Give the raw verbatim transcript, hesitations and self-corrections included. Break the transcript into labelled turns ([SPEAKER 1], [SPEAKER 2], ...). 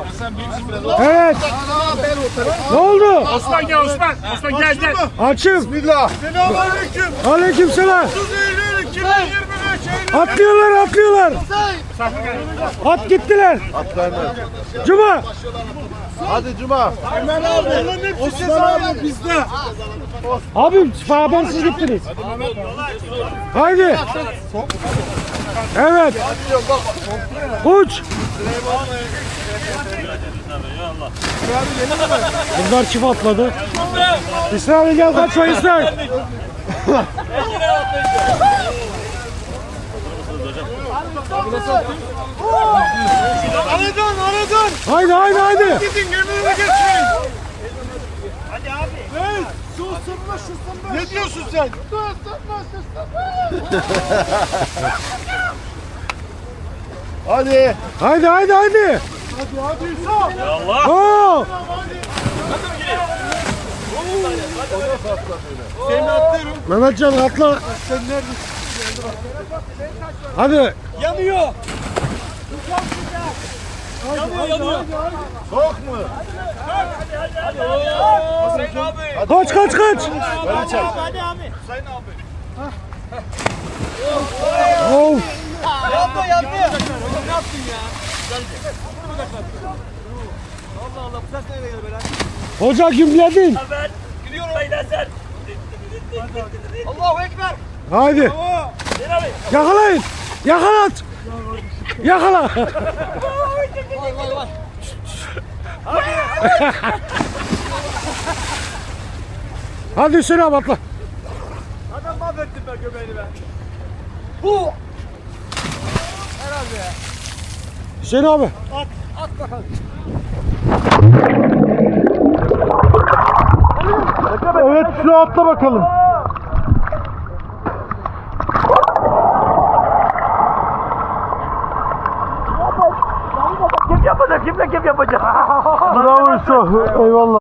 [SPEAKER 1] Evet. Ne oldu?
[SPEAKER 2] Osman gel Osman. Osman gel gel.
[SPEAKER 1] Açım.
[SPEAKER 3] Bismillah.
[SPEAKER 2] Selamünaleyküm.
[SPEAKER 1] Aleykümselam.
[SPEAKER 2] otuz Eylül iki bin yirmi beş.
[SPEAKER 1] Atlıyorlar, atlıyorlar. At gittiler.
[SPEAKER 3] Atlayın.
[SPEAKER 1] Cuma.
[SPEAKER 3] Hadi Cuma.
[SPEAKER 2] Hemen abi. Osman abi bizde.
[SPEAKER 1] Abi habersiz gittiniz. Haydi. Evet. Uç. Bunlar çift atladı. İsrail gel kaçma İsrail.
[SPEAKER 2] Aradan aradan.
[SPEAKER 1] Haydi haydi haydi.
[SPEAKER 2] Gidin yemeğine geçmeyin. Hadi abi. Ne? Su ısınma su ısınma. Ne diyorsun sen? Su ısınma su ısınma.
[SPEAKER 3] Hadi.
[SPEAKER 1] Haydi haydi haydi.
[SPEAKER 2] Hadi hadi Yusuf.
[SPEAKER 4] Ya Allah.
[SPEAKER 1] Oo.
[SPEAKER 2] Seni atlıyorum.
[SPEAKER 1] Mehmetcan atla.
[SPEAKER 2] Sen neredesin?
[SPEAKER 1] Hadi.
[SPEAKER 4] Yanıyor. Yanıyor yanıyor.
[SPEAKER 3] Soğuk mu?
[SPEAKER 4] Hüseyin abi.
[SPEAKER 1] Kaç kaç kaç.
[SPEAKER 3] Beni çek.
[SPEAKER 4] Hadi abi. Hüseyin abi.
[SPEAKER 1] Oh.
[SPEAKER 4] Yandı yandı. Ne yaptın ya? Allah Allah bu ses nereye geldi böyle?
[SPEAKER 1] Hoca gümledin.
[SPEAKER 4] Ben gidiyorum beyler sen. Allahu Ekber.
[SPEAKER 1] Haydi.
[SPEAKER 4] Hüseyin abi.
[SPEAKER 1] Yakalayın. Yakalat. Yakala.
[SPEAKER 4] Vay vay vay.
[SPEAKER 1] Hadi Hüseyin abi atla.
[SPEAKER 4] Adam mahvettin ben göbeğini ben. Bu. Herhalde ya.
[SPEAKER 1] Hüseyin abi.
[SPEAKER 4] At. At bakalım.
[SPEAKER 1] Evet şu atla bakalım.
[SPEAKER 4] Kim yapacak? Kimle kim yapacak?
[SPEAKER 1] Bravo Hüseyin. Eyvallah.